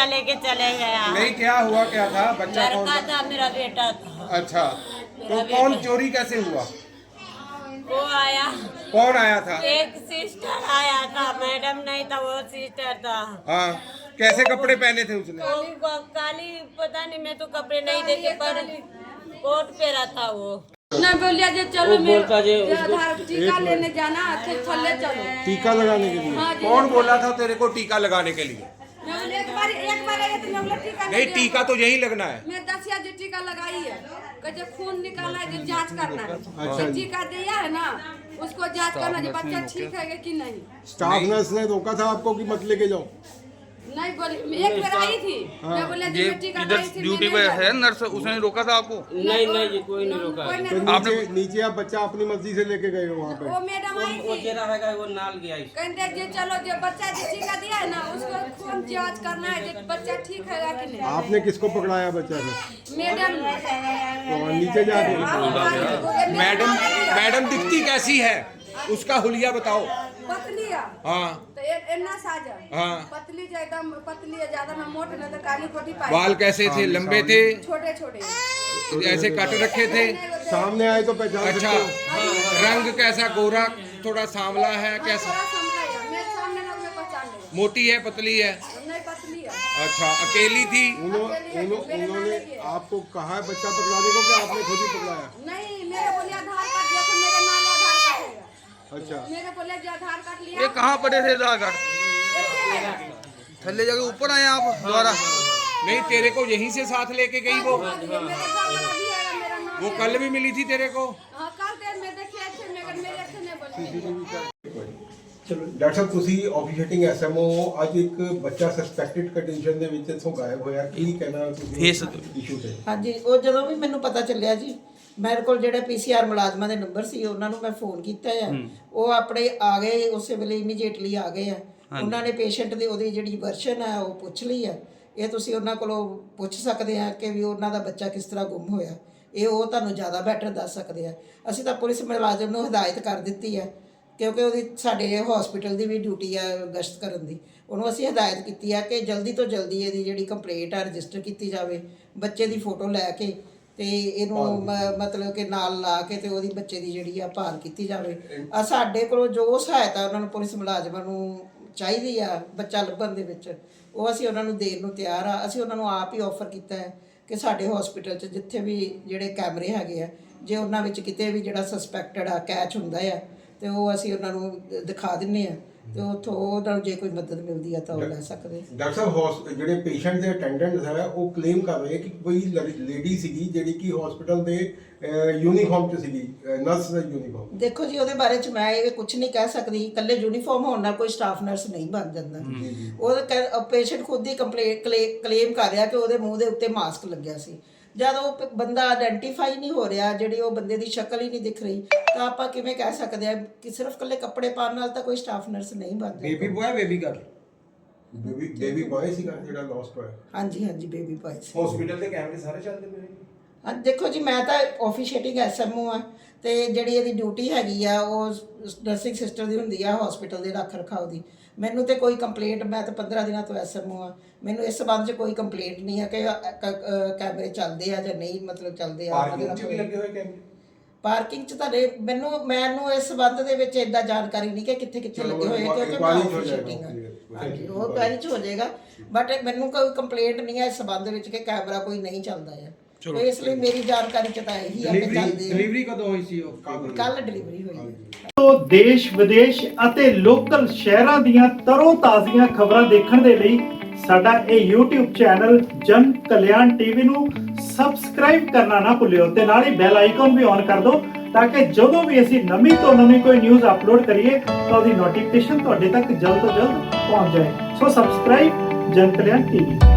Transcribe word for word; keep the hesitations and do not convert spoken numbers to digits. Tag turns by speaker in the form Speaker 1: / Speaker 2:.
Speaker 1: टीका लेके चले गया।
Speaker 2: नहीं, क्या हुआ, क्या था? बच्चा कौन
Speaker 1: लड़का
Speaker 2: था?
Speaker 1: था, मेरा बेटा था।
Speaker 2: अच्छा, तो
Speaker 1: मेरा
Speaker 2: कौन
Speaker 1: बेटा।
Speaker 2: चोरी कैसे हुआ?
Speaker 1: वो आया,
Speaker 2: कौन आया था?
Speaker 1: एक सिस्टर आया था, मैडम नहीं था, वो सिस्टर था।
Speaker 2: हाँ, कैसे कपड़े पहने थे उसने?
Speaker 1: वो क- काली, पता नहीं, मैं तो कपड़े नहीं देखे, पर कोट पहना था वो।
Speaker 3: ना बोलिया जे चलो मैं
Speaker 4: बोलता जे
Speaker 3: आधार टीका लेने जाना तो थल्ले चलो।
Speaker 2: टीका लगाने के लिए?
Speaker 3: हाँ जी।
Speaker 2: कौन बोला था तेरे को टीका लगाने के लिए?
Speaker 3: मैं बोले एक बार एक बार आया तो मैं बोला टीका
Speaker 2: नहीं,
Speaker 3: दिया।
Speaker 2: टीका तो यही लगना है।
Speaker 3: मैं दसिया जो टीका लगाई है, कहे खून निकालना है, जो जांच करना है।
Speaker 2: अच्छा
Speaker 3: जो
Speaker 2: जी।
Speaker 3: टीका दिया है ना, उसको जांच करना जो बच्चा ठीक है कि नहीं।
Speaker 5: स्टाफ नर्स ने रोका था आपको कि मत लेके जाओ?
Speaker 3: नहीं बोली, एक बार आई थी, मैं बोले
Speaker 6: ये
Speaker 3: जो टीका
Speaker 6: इधर
Speaker 3: लगाई थी
Speaker 6: ड्यूटी पे है नर्स, उसने रोका था आपको?
Speaker 4: नहीं नहीं जी, कोई नहीं रोका
Speaker 3: कोई
Speaker 4: है।
Speaker 3: नहीं
Speaker 5: तो
Speaker 3: रोका।
Speaker 5: नीचे नीचे आप बच्चा अपनी मर्जी से लेके गए हो वहाँ पे?
Speaker 3: वो मैडम आई
Speaker 4: वो
Speaker 3: थी,
Speaker 4: चेहरा है वो नाल गया इस
Speaker 3: कहते जो चलो जो बच्चा जो टीका दिया है ना, उसको खून जांच करना है, जो बच्चा ठीक है कि नहीं।
Speaker 5: आपने किसको पकड़ाया बच्चा से?
Speaker 3: मैडम
Speaker 5: तो नीचे जाके
Speaker 2: मैडम, मैडम दिखती कैसी है? उसका हुलिया बताओ।
Speaker 3: पतली है
Speaker 2: हाँ,
Speaker 3: तो ए- एन्ना साजा
Speaker 2: हाँ।
Speaker 3: पतली जो एकदम पतली है, ज्यादा ना मोट ना, तो काली कोटी पाई।
Speaker 2: बाल कैसे थे? लंबे थे?
Speaker 3: छोटे छोटे
Speaker 2: ऐसे कट रखे थे?
Speaker 5: सामने आए तो पहचान
Speaker 2: अच्छा,
Speaker 5: सकते हो?
Speaker 2: रंग कैसा? गोरा, थोड़ा सांवला है? कैसा?
Speaker 3: थोड़ा समझा है, मेरे सामने ना मैं पहचान ले।
Speaker 2: मोटी है, पतली है?
Speaker 3: नहीं पतली है।
Speaker 2: अच्छा, अकेली थी?
Speaker 5: उन्हों- उन्हों- उन्होंने आपको कहा है बच्चा पकड़ाने को कि आपने खुद ही पकड़ाया?
Speaker 3: नहीं, मेरे बोले आधार कार्ड देखो, मेरे नाम आधार कार्ड है।
Speaker 5: अच्छा,
Speaker 3: मेरे बोले जो आधार कार्ड लिया।
Speaker 6: ये कहाँ पड़े थे आधार कार्ड? थल्ले जाके ऊपर आए आप दोबारा?
Speaker 2: नहीं, तेरे को यहीं से साथ लेके गई वो?
Speaker 3: मेरे घर वाला भी है, मेरा नाम
Speaker 2: वो
Speaker 3: है।
Speaker 2: कल भी मिली थी तेरे को?
Speaker 3: हाँ, कल देर में देखिए थे, मगर मेरे अच्छे नहीं बोले।
Speaker 5: ਚਲੋ ਡਾਕਟਰ ਸਾਹਿਬ, ਤੁਸੀਂ ਆਫੀਸ਼ੀਏਟਿੰਗ ਐਸਐਮਓ ਅੱਜ ਇੱਕ ਬੱਚਾ ਸਸਪੈਕਟਡ ਕੰਡੀਸ਼ਨ ਦੇ ਵਿੱਚ ਇੱਥੋਂ ਗਾਇਬ ਹੋਇਆ, ਕੀ ਕਹਿਣਾ ਤੁਸੀਂ
Speaker 6: ਇਸ
Speaker 5: ਇਸ਼ੂ ਤੇ?
Speaker 7: ਹਾਂਜੀ, ਉਹ ਜਦੋਂ ਵੀ ਮੈਨੂੰ ਪਤਾ ਚੱਲਿਆ ਜੀ, ਮੇਰੇ ਕੋਲ ਜਿਹੜੇ ਪੀਸੀਆਰ ਮੁਲਾਜ਼ਮਾਂ ਦੇ ਨੰਬਰ ਸੀ, ਉਹਨਾਂ ਨੂੰ ਮੈਂ ਫੋਨ ਕੀਤਾ ਆ। ਉਹ ਆਪਣੇ ਆ ਗਏ, ਉਸੇ ਵੇਲੇ ਇਮੀਡੀਏਟਲੀ ਆ ਗਏ ਆ। ਉਹਨਾਂ ਨੇ ਪੇਸ਼ੈਂਟ ਦੀ ਉਹਦੀ ਜਿਹੜੀ ਵਰਸ਼ਨ ਆ ਉਹ ਪੁੱਛ ਲਈ ਆ। ਇਹ ਤੁਸੀਂ ਉਹਨਾਂ ਕੋਲੋਂ ਪੁੱਛ ਸਕਦੇ ਆ ਕਿ ਵੀ ਉਹਨਾਂ ਦਾ ਬੱਚਾ ਕਿਸ ਤਰ੍ਹਾਂ ਗੁੰਮ ਹੋਇਆ। ਇਹ ਉਹ ਤੁਹਾਨੂੰ ਜ਼ਿਆਦਾ ਬੈਟਰ ਦੱਸ ਸਕਦੇ ਆ। ਅਸੀਂ ਤਾਂ ਪੁਲਿਸ ਮੁਲਾਜ਼ਮ ਨੂੰ ਹਦਾਇਤ ਕਰ ਦਿੱਤੀ ਆ, ਕਿਉਂਕਿ ਉਹਦੀ ਸਾਡੇ ਹਸਪੀਟਲ ਦੀ ਵੀ ਡਿਊਟੀ ਆ ਗਸ਼ਤ ਕਰਨ ਦੀ। ਉਹਨੂੰ ਅਸੀਂ ਹਦਾਇਤ ਕੀਤੀ ਆ ਕਿ ਜਲਦੀ ਤੋਂ ਜਲਦੀ ਇਹਦੀ ਜਿਹੜੀ ਕੰਪਲੇਂਟ ਆ ਰਜਿਸਟਰ ਕੀਤੀ ਜਾਵੇ, ਬੱਚੇ ਦੀ ਫੋਟੋ ਲੈ ਕੇ ਤੇ ਇਹਨੂੰ ਮ- ਮਤਲਬ ਕਿ ਨਾਲ ਲਾ ਕੇ ਤੇ ਉਹਦੀ ਬੱਚੇ ਦੀ ਜਿਹੜੀ ਆ ਭਾਲ ਕੀਤੀ ਜਾਵੇ। ਆ ਸਾਡੇ ਕੋਲੋਂ ਜੋ ਸਹਾਇਤਾ ਉਹਨਾਂ ਨੂੰ ਪੁਲਿਸ ਮੁਲਾਜ਼ਮਾਂ ਨੂੰ ਚਾਹੀਦੀ ਆ ਬੱਚਾ ਲੱਭਣ ਦੇ ਵਿੱਚ, ਉਹ ਅਸੀਂ ਉਹਨਾਂ ਨੂੰ ਦੇਣ ਨੂੰ ਤਿਆਰ ਆ। ਅਸੀਂ ਉਹਨਾਂ ਨੂੰ ਆਪ ਹੀ ਆਫਰ ਕੀਤਾ ਹੈ ਕਿ ਸਾਡੇ ਹਸਪੀਟਲ 'ਚ ਜਿੱਥੇ ਵੀ ਜਿਹੜੇ ਕੈਮਰੇ ਹੈਗੇ ਆ, ਜੇ ਉਹਨਾਂ ਵਿੱਚ ਕਿਤੇ ਵੀ ਜਿਹੜਾ ਸਸਪੈਕਟਡ ਆ ਕੈਚ ਹੁੰਦਾ ਆ, ਤੇ ਉਹ ਅਸੀਂ ਉਹਨਾਂ ਨੂੰ ਦਿਖਾ ਦਿੰਨੇ ਆ, ਤੇ ਉੱਥੋਂ ਉਹਨਾਂ ਨੂੰ ਜੇ ਕੋਈ ਮਦਦ ਮਿਲਦੀ ਆ ਤਾਂ ਉਹ ਲੈ ਸਕਦੇ।
Speaker 5: ਡਾਕਟਰ ਸਾਹਿਬ, ਹੌਸ- ਜਿਹੜੇ ਪੇਸ਼ੈਂਟ ਦੇ ਅਟੈਂਡੈਂਟਸ ਹੈ ਉਹ ਕਲੇਮ ਕਰ ਰਹੇ ਕਿ ਕੋਈ ਲੇਡੀ ਸੀਗੀ ਜਿਹੜੀ ਕਿ ਹਸਪੀਟਲ ਦੇ ਯੂਨੀਫਾਰਮ 'ਚ ਸੀਗੀ, ਨਰਸ ਦਾ ਯੂਨੀਫਾਰਮ।
Speaker 7: ਦੇਖੋ ਜੀ, ਉਹਦੇ ਬਾਰੇ ਚ ਮੈਂ ਇਹ ਕੁਝ ਨਹੀਂ ਕਹਿ ਸਕਦੀ। ਇਕੱਲੇ ਯੂਨੀਫਾਰਮ ਹੋਣ ਨਾਲ ਕੋਈ ਸਟਾਫ ਨਰਸ ਨਹੀਂ ਬਣ ਜਾਂਦਾ। ਉਹ ਪੇਸ਼ੈਂਟ ਖੁਦ ਹੀ ਕੰਪਲੇਂਟ ਕਲੇਮ ਕਰ ਰਿਹਾ ਕਿ ਉਹਦੇ ਮੂੰਹ ਦੇ ਉੱਤੇ ਮਾਸਕ ਲੱਗਿਆ ਸੀ। ਜਦ ਉਹ ਪ- ਬੰਦਾ ਆਇਡੈਂਟੀਫਾਈ ਨਹੀਂ ਹੋ ਰਿਹਾ, ਜਿਹੜੀ ਉਹ ਬੰਦੇ ਦੀ ਸ਼ਕਲ ਹੀ ਨਹੀਂ ਦਿਖ ਰਹੀ, ਤਾਂ ਆਪਾਂ ਕਿਵੇਂ ਕਹਿ ਸਕਦੇ ਆ ਕਿ ਸਿਰਫ ਇਕੱਲੇ ਕੱਪੜੇ ਪਾਉਣ ਨਾਲ ਤਾਂ ਕੋਈ ਸਟਾਫ ਨਰਸ ਨਹੀਂ ਬਣ ਜਾਂਦਾ।
Speaker 2: Baby boy, baby girl?
Speaker 5: Baby baby boy ਸੀਗਾ ਜਿਹੜਾ ਲੋਸਟ ਹੋਇਆ।
Speaker 7: ਹਾਂਜੀ ਹਾਂਜੀ, ਬੇਬੀ ਬॉय ਸੀ।
Speaker 2: ਹਸਪੀਟਲ ਦੇ ਕੈਮਰੇ ਸਾਰੇ ਚੱਲਦੇ ਪਏ?
Speaker 7: ਹਾਂ, ਦੇਖੋ ਜੀ, ਮੈਂ ਤਾਂ ਆਫੀਸ਼ੀਏਟਿੰਗ ਐਸਐਮਓ ਆ, ਤੇ ਜਿਹੜੀ ਇਹਦੀ ਡਿਊਟੀ ਹੈਗੀ ਆ ਉਹ ਨਰਸਿੰਗ ਸਿਸਟਰ ਦੀ ਹੁੰਦੀ ਆ ਹਸਪੀਟਲ ਦੇ ਰੱਖ ਰਖਾਓ ਦੀ। ਮੈਨੂੰ ਤੇ ਕੋਈ ਕੰਪਲੇਂਟ, ਮੈਂ ਤਾਂ ਪੰਦਰਾਂ ਦਿਨਾਂ ਤੋਂ ਐਸਐਮਓ ਆ, ਮੈਨੂੰ ਇਸ ਸੰਬੰਧ 'ਚ ਕੋਈ ਕੰਪਲੇਂਟ ਨਹੀਂ ਹੈ ਕਿ ਕੈਮਰੇ ਚੱਲਦੇ ਆ ਜਾਂ ਨਹੀਂ, ਮਤਲਬ ਚੱਲਦੇ ਆ।
Speaker 2: ਪਾਰਕਿੰਗ 'ਚ ਵੀ ਲੱਗੇ ਹੋਏ ਕੈਮਰੇ?
Speaker 7: ਪਾਰਕਿੰਗ 'ਚ ਤੁਹਾਡੇ ਮੈਨੂੰ ਮੈਨੂੰ ਇਸ ਸੰਬੰਧ ਦੇ ਵਿੱਚ ਇਦਾਂ ਜਾਣਕਾਰੀ ਨਹੀਂ ਕਿ ਕਿੱਥੇ ਕਿੱਥੇ ਲੱਗੇ ਹੋਏ ਆ, ਕਿਉਂਕਿ ਮੈਂ ਆਫੀਸ਼ੀਏਟਿੰਗ ਆ। ਹਾਂਜੀ, ਉਹ ਕੁਐਰੀ 'ਚ ਹੋ ਜਾਏਗਾ, ਬਟ ਮੈਨੂੰ ਕੋਈ ਕੰਪਲੇਂਟ ਨਹੀਂ ਹੈ ਇਸ ਸੰਬੰਧ ਵਿੱਚ ਕਿ ਕੈਮਰਾ ਕੋਈ ਨਹੀਂ ਚੱਲਦਾ ਹੈ। ਤੇ ਇਸ ਲਈ ਮੇਰੀ ਜਾਣਕਾਰੀ 'ਚ ਤਾਂ ਇਹੀ ਆ ਕਿ ਚੱਲਦੇ ਆ।
Speaker 2: ਡਿਲੀਵਰੀ ਕਦੋਂ ਹੋਈ ਸੀ ਉਹ?
Speaker 7: ਕੱਲ ਡਿਲੀਵਰੀ ਹੋਈ ਹੈ।
Speaker 8: ਤੋਂ ਦੇਸ਼ ਵਿਦੇਸ਼ ਅਤੇ ਲੋਕਲ ਸ਼ਹਿਰਾਂ ਦੀਆਂ ਤਰੋ ਤਾਜ਼ੀਆਂ ਖਬਰਾਂ ਦੇਖਣ ਦੇ ਲਈ ਸਾਡਾ ਇਹ YouTube ਚੈਨਲ ਜਨ ਕਲਿਆਣ ਟੀਵੀ ਨੂੰ ਸਬਸਕ੍ਰਾਈਬ ਕਰਨਾ ਨਾ ਭੁੱਲਿਓ, ਤੇ ਨਾਲ ਹੀ ਬੈਲ ਆਈਕਨ ਵੀ ਔਨ ਕਰ ਦਿਓ ਤਾਂ ਕਿ ਜਦੋਂ ਵੀ ਅਸੀਂ ਨਵੀਂ ਤੋਂ ਨਵੀਂ ਕੋਈ ਨਿਊਜ਼ ਅਪਲੋਡ ਕਰੀਏ ਤਾਂ ਉਹਦੀ ਨੋਟੀਫਿਕੇਸ਼ਨ ਤੁਹਾਡੇ ਤੱਕ ਜਲਦ ਤੋਂ ਜਲਦ ਪਹੁੰਚ ਜਾਏ। ਸੋ ਸਬਸਕ੍ਰਾਈਬ ਜਨ ਕਲਿਆਣ ਟੀਵੀ।